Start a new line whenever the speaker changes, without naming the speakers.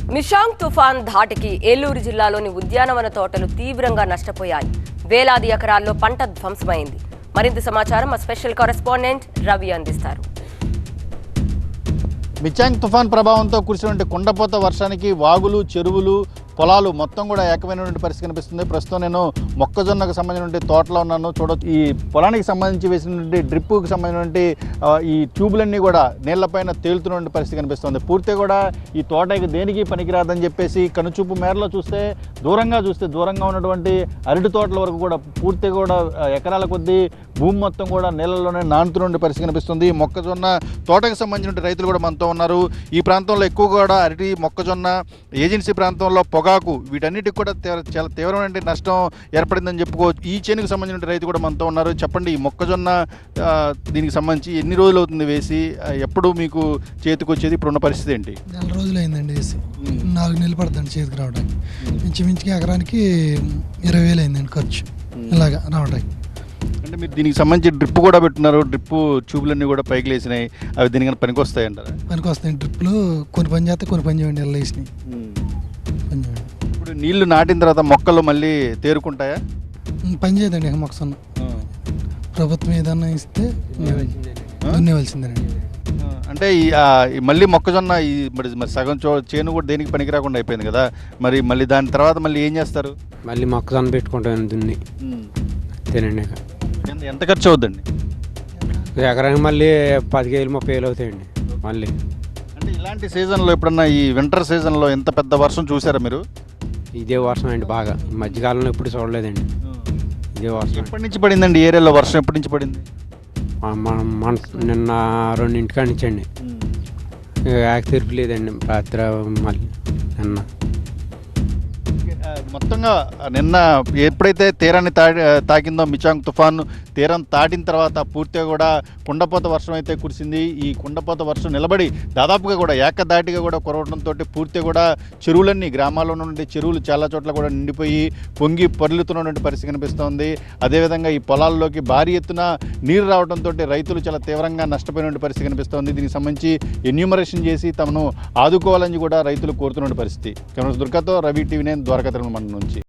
మిషాంగ్ తుఫాన్ ధాటికి ఏలూరు జిల్లాలోని ఉద్యానవన తోటలు తీవ్రంగా నష్టపోయాయి. వేలాది ఎకరాల్లో పంట ధ్వంసమైంది. మరింత సమాచారం మా స్పెషల్ కరెస్పాండెంట్ రవి అందిస్తారు.
మిషాంగ్ తుఫాన్ ప్రభావంతో కురిసినటువంటి కుండపోత వర్షానికి వాగులు, చెరువులు, పొలాలు మొత్తం కూడా ఏకమైనటువంటి పరిస్థితి కనిపిస్తుంది. ప్రస్తుతం నేను మొక్కజొన్నకు సంబంధించినటువంటి తోటలో ఉన్నాను. చూడవచ్చు, ఈ పొలానికి సంబంధించి వేసినటువంటి డ్రిప్పుకి సంబంధించినటువంటి ఈ ట్యూబులన్నీ కూడా నీళ్లపైన తేలుతున్నటువంటి పరిస్థితి కనిపిస్తుంది. పూర్తిగా కూడా ఈ తోటకి దేనికి పనికిరాదని చెప్పేసి కనుచూపు మేరలో దూరంగా ఉన్నటువంటి అరటి తోటల వరకు కూడా పూర్తిగా కూడా ఎకరాల కొద్దీ భూమి మొత్తం కూడా నీళ్ళలోనే నానుతున్న పరిస్థితి కనిపిస్తుంది. మొక్కజొన్న తోటకు సంబంధించిన రైతులు కూడా మనతో ఉన్నారు. ఈ ప్రాంతంలో ఎక్కువ కూడా అరటి, మొక్కజొన్న, ఏజెన్సీ ప్రాంతంలో పొగాకు, వీటన్నిటికి కూడా చాలా తీవ్రమైన నష్టం ఏర్పడిందని చెప్పుకోవచ్చు. ఈ చేనుకు సంబంధించిన రైతు కూడా మనతో ఉన్నారు. చెప్పండి, ఈ మొక్కజొన్న దీనికి సంబంధించి ఎన్ని రోజులు అవుతుంది వేసి, ఎప్పుడు మీకు చేతికి వచ్చేది, ఇప్పుడున్న పరిస్థితి ఏంటి?
4 రోజులు అయిందండి వేసి. 4 నెలలు పడుతుంది చేతికి రావడానికి. ఇంచుమించుకి ఎకరానికి 20,000 అయిందండి ఖర్చు ఇలాగా రావడానికి.
అంటే మీరు దీనికి సంబంధించి డ్రిప్ కూడా పెట్టున్నారు. డ్రిప్ ట్యూబ్లన్నీ కూడా పైకి లేసినాయి. అవి దీనికి పనికి వస్తాయంటారా?
పనికి వస్తాయి. డ్రిప్లు కొన్ని పని చేస్తే కొన్ని పని చేయండి, ఇలా వేసినాయి.
ఇప్పుడు నీళ్లు నాటిన తర్వాత మొక్కలు మళ్ళీ తేరుకుంటాయా?
పని చేయదండి. మొక్కసన్న ప్రభుత్వం ఏదన్నా ఇస్తే దున్నేవలసిందేనండి.
అంటే మళ్ళీ మొక్కజొన్న మరి సగం చేను కూడా దేనికి పనికి రాకుండా అయిపోయింది కదా, మరి మళ్ళీ దాని తర్వాత మళ్ళీ ఏం చేస్తారు?
మళ్ళీ మొక్కజొన్న పెట్టుకుంటాను దున్ని. తినండి.
ఎంత ఖర్చు అవుద్దండి?
ఎకరానికి మళ్ళీ 10,000 30,000 అవుతాయండి మళ్ళీ.
అంటే ఇలాంటి సీజన్లో ఎప్పుడన్నా ఈ వింటర్ సీజన్లో ఎంత పెద్ద వర్షం చూసారా మీరు?
ఇదే వర్షం అండి బాగా. ఈ మధ్యకాలంలో ఎప్పుడు చూడలేదండి ఇదే వర్షం.
ఎప్పటి నుంచి పడిందండి ఏరియాలో వర్షం? ఎప్పటి నుంచి పడింది?
నిన్న 2 నుంచి అండి. తీర్పు లేదండి రాత్రి. మళ్ళీ నిన్న
మొత్తంగా నిన్న ఎప్పుడైతే తీరాన్ని తాకిందో మిషాంగ్ తుఫాను, తీరం దాటిన తర్వాత పూర్తిగా కూడా కుండపోత వర్షం అయితే కురిసింది. ఈ కుండపోత వర్షం నిలబడి దాదాపుగా కూడా ఏకదాటిగా కూడా కురవడంతో పూర్తిగా కూడా చెరువులన్నీ, గ్రామాల్లో ఉన్నటువంటి చెరువులు చాలా చోట్ల కూడా నిండిపోయి పొంగి పొర్లుతున్నటువంటి పరిస్థితి కనిపిస్తోంది. అదేవిధంగా ఈ పొలాల్లోకి భారీ ఎత్తున నీరు రావడంతో రైతులు చాలా తీవ్రంగా నష్టపోయినటువంటి పరిస్థితి కనిపిస్తోంది. దీనికి సంబంధించి ఎన్యూమరేషన్ చేసి తమను ఆదుకోవాలని కూడా రైతులు కోరుతున్న పరిస్థితి. కెమెరా దుర్గాతో రవి, టీవీ 9 ద్వారకా తిరుమల మండలం నుంచి.